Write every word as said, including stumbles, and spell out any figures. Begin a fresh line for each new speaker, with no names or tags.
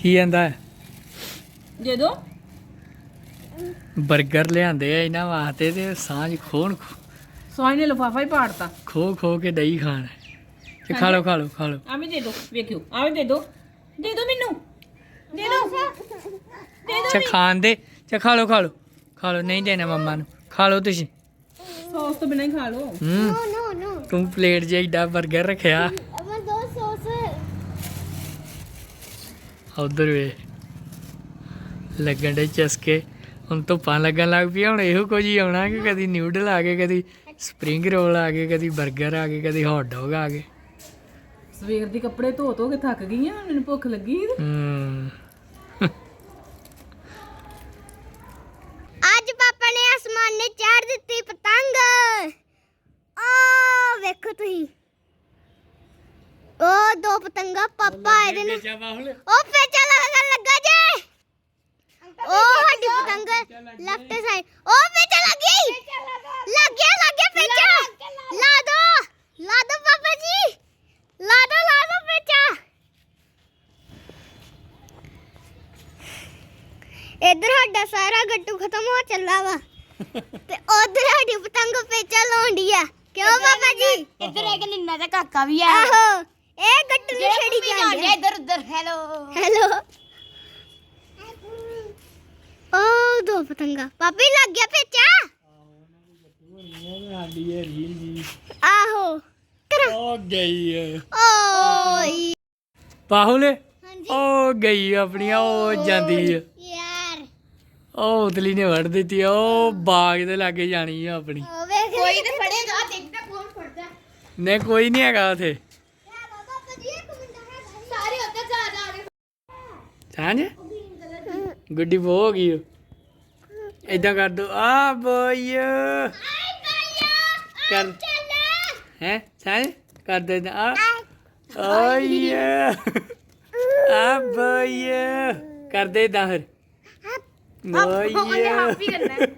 की कहता है
दे दो
बर्गर लियाते हैं इन्होंने वास्ते ते सांझ खोन
सोई ने लिफाफा ही पाड़ता
खो खो के दही खाना ते खा लो खा लो खा लो
आ भी दे दो वेखियो आ भी दे दो दे दो मैनू दे दो दे दो
अच्छा खान दे अच्छा खा लो खा लो खा लो नहीं देना मम्मा नु खा लो तुसी
सॉस तो बिना ही खा लो
हम्म
नो नो नो
तू प्लेट च एडा बर्गर रखया
मैं दो सॉस
उधर वे लगन डे चस्के ਹੁਣ ਧੁੱਪਾਂ ਲੱਗਣ ਲੱਗ ਪਈ ਹੁਣ ਇਹੋ ਕੁਝ ਹੀ ਆਉਣਾ ਕਿ ਕਦੀ ਨਿਊਡਲ ਆ ਗਏ ਕਦੀ ਸਪਰਿੰਗ ਰੋਲ ਆ ਗਏ ਕਦੀ 버ਗਰ ਆ ਗਏ ਕਦੀ ਹੌਟ ਡੌਗ ਆ ਗਏ
ਸਵੇਰ ਦੀ ਕੱਪੜੇ ਧੋ ਧੋ ਕੇ ਥੱਕ ਗਈ ਆ ਮੈਨੂੰ ਭੁੱਖ ਲੱਗੀ
ਹੂੰ
आज पापा ने आसमान ने चाड़ दी पतंग ओ देखो तुही ओ दो पतंगा पापा आए दे ने ओ पेचा लगा लगा जे ओ हड्डी पतंग लेफ्ट साइड ओ पेचा लग गई लग गया लग गया पेचा ला दो ला दो पापा जी ला दो ला दो पेचा इधर साडा सारा गट्टू खत्म हो चला वा ते उधर साडी पतंग पेचा लाउंडी है क्यों पापा जी
इधर एक निन्ना दा काका भी है
आहो ए गट्टू नु छड़ी जांदे
इधर उधर हेलो
हेलो ओ दो पतंगा पापी लग गया पेचा आहो
ओ गई
ओए
पाहुल
हां जी
ओ गई अपनी ओ जांदी है
यार
ਉਹ ਉਤਲੀ ਨੇ ਵੜ ਦਿੱਤੀ ਆ, ਉਹ ਬਾਗ ਦੇ ਲਾਗੇ ਜਾਣੀ ਆ ਆਪਣੀ
ओ वेख
कोई तो फड़ेगा देखता कौन फड़ता है
ਨੇ ਕੋਈ ਨਹੀਂ ਹੈਗਾ ਉਥੇ
पापा जी एक मिनट है
सारे उधर जा जा रहे
ਸਾਂਝ ਗੁੱਡੀ ਬੋ ਹੋ ਗਈ ਇਦਾਂ ਕਰ ਦੋ ਆ ਬੋਏ ਕਰ ਹੈ ਸਾਂਝ ਕਰ ਦੇ ਆ ਓਏ ਆ ਬੋਏ ਕਰ ਦੇ ਇਦਾਂ ਫਿਰ
ਉਹਨੇ
ਓਏ
ਹਾਪੀ ਕਰਨਾ ਹੈ